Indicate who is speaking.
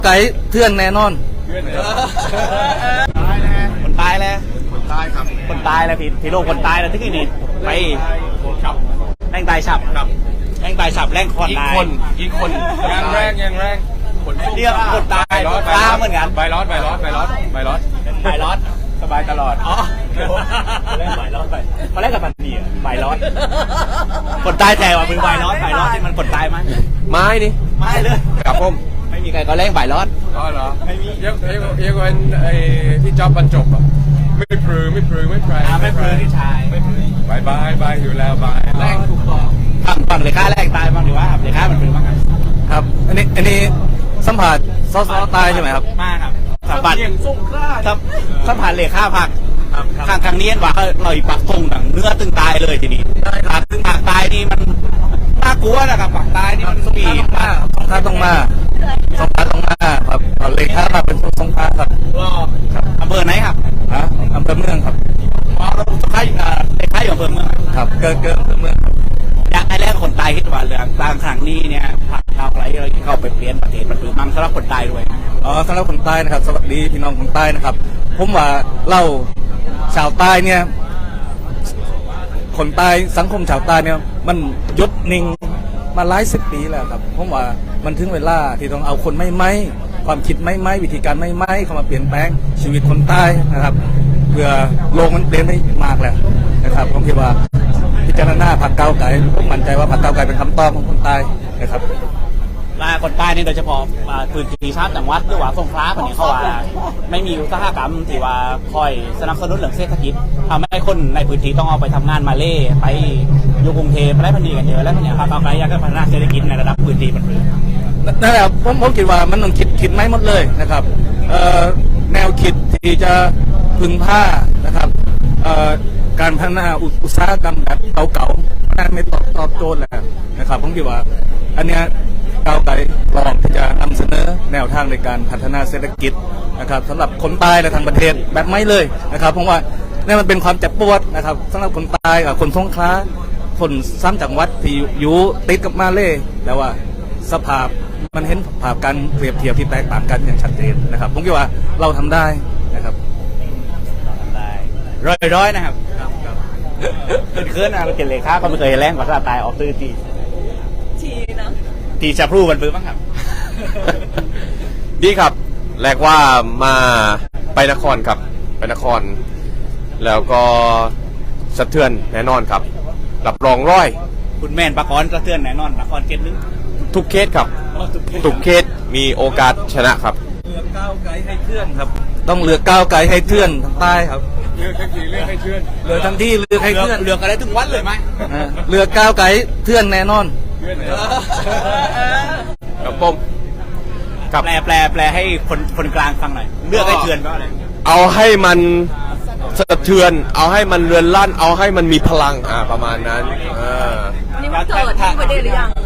Speaker 1: ไก่เทื่อนแน่นอน
Speaker 2: คนตายแล้ว
Speaker 3: คนใต้ครับ
Speaker 2: คนตายแล้วพี่โลกคนตายแล้วที่นี่ไป
Speaker 3: ครับ
Speaker 2: แรงตายฉับ
Speaker 3: ครับ
Speaker 2: แรงตายฉับแรงคอนตาย
Speaker 3: อีกคนยังแรงคน
Speaker 2: เรียกคนตายตาเหมือนกัน
Speaker 3: ใบร้อนสบายตลอด
Speaker 2: อ๋อแรกใบร้อนไปพอแรกกับมันดีอ่ะใบร้อนคนตายแต่ว่ามือใบร้อนที่มันคนตายไหม
Speaker 3: ไม้นี่
Speaker 2: ไม่เลย
Speaker 3: ครับผม
Speaker 2: ไม่มีใครก็แรงใบร้อน
Speaker 3: อ๋อเหรอไม่มียังเป็นไอ้ที่จ็อบบรรจบอ่ะไม่พลือที่ชายบายอยู่แล้วบาย
Speaker 2: แรงถูกต้องฝั่งเลยค่าแรงตายบ้างหรือว่าเลยค่ามันเป็นบ้าง
Speaker 1: ครับอันนี้สัมผัสซอตายใช่ไหมครับ
Speaker 2: มากครับสัมผัสสัมผัสเลยค่าผักทางนี้ว่าลอยปักทงหนังเนื้อตึงตายเลยทีนี้ครับตึงปากตายนี่มันน่ากลัวนะครับปากตายนี่มันปีมาก
Speaker 1: สงขลาต้องมาครับเลยค่ามาเป็นสงขลาครับ
Speaker 2: อำเภอไหนครับ
Speaker 1: อำเภอเมืองครับ
Speaker 2: สงขลาเลยค่าอยู่อำเภอเมือง
Speaker 1: ครับเกินอำเภอเมือง
Speaker 2: อยากให้แรกคนตายคิดว่าเรื่องบางครั้งนี้เนี่ยพาเราไปเข้าไปเปลี่ยนประเทศมันคือมั่งสำหรับคนตายด้วย
Speaker 1: สำหรับคนใต้นะครับสวัสดีพี่น้องคนใต้นะครับผมว่าเล่าชาวใต้เนี่ยคนใต้สังคมชาวใต้เนี่ยมันยุดนิ่งมาหลายสิบปีแล้วครับผมว่ามันถึงเวลาที่ต้องเอาคนไม่ความคิดไม่วิธีการไม่เข้ามาเปลี่ยนแปลงชีวิตคนใต้นะครับเพื่อโลกมันเปลี่ยนไปมากแล้วนะครับผมคิดว่าพิจารณาพรรคก้าวไกลผมมั่นใจว่าพรรคก้าวไกลเป็นคำตอบของคนใต้นะครับ
Speaker 2: ลาคนใต้นี่โดยเฉพาะพื้นที่ชาติจังหวัดหรือว่าสงขลาคนนี้เขาว่าไม่มีอุตสาหกรรมที่ว่าคอยสนับสนุนเรื่องเศรษฐกิจทำให้คนในพื้นที่ต้องเอาไปทำงานมาเล่ไปอยู่กรุงเทพไปได้พันธุ์กันเยอะแล้วเนี่ยครับก้าวไกลอยากจะพัฒนาเศรษฐกิจในระดับพื้นที่มัน
Speaker 1: นั่นแหละผมคิดว่ามันต้องคิดไม่หมดเลยนะครับแนวคิดที่จะพึ่งผ้านะครับการพัฒนาอุตสาหกรรมแบบเก่าๆนั่นไม่ตอบโจทย์แล้วนะครับผมคิดว่าอันเนี้ยก้าวไกลลองที่จะนำเสนอแนวทางในการพัฒนาเศรษฐกิจนะครับสำหรับคนใต้และทางประเทศแบบไม่เลยนะครับเพราะว่านี่มันเป็นความเจ็บปวดนะครับสำหรับคนใต้กับคนสงขลาคนซ้ำจังหวัดที่อยู่ติดกับมาเลแต่ว่าสภาพมันเห็นภาพการเปรียบเทียบที่แตกต่างกันอย่างชัดเจนนะครับผมคิดว่าเราทำได้นะครับ
Speaker 2: ร้อยนะครับเคลื่อนนะเราเกล็ดเลยค่าก็ไม่เคยแรงกว่าตายออกตื้อทีจะพรูมันปื้มบ้างครับ
Speaker 3: ดีครับแรกว่ามาไปนครครับไปนครแล้วก็สะเทือนแน่นอนครับรับรองร้อย
Speaker 2: คุณแม่นปะกอนสะเทือนแน่นอนปะกอนเกตนึง
Speaker 3: ทุกเคสครับทุกเคสมีโอกาสชนะครับ
Speaker 1: เลือกก้าวไกลให้เทื่อนครับต้องเลือกก้าวไกลให้เทื่อนทางใต้ครับ
Speaker 3: เลือกทั้งทีเลือกให้เทื่อน
Speaker 1: เลือกทั้งที่เลือกให้เทื่อน
Speaker 2: เลือกอะไรถึงวัดเลยไหม
Speaker 1: เลือกก้าวไกลเทื่อนแน่นอน
Speaker 3: ครับผม
Speaker 2: แปลให้คนกลางฟังหน่อยเลือกให้เทื่อนว่าอะไร
Speaker 3: เอาให้มันสะเทือนเอาให้มันเรือนลั่นเอาให้มันมีพลังประมาณนั้น
Speaker 4: นี่มันเกิดที่ประเทศหรือยัง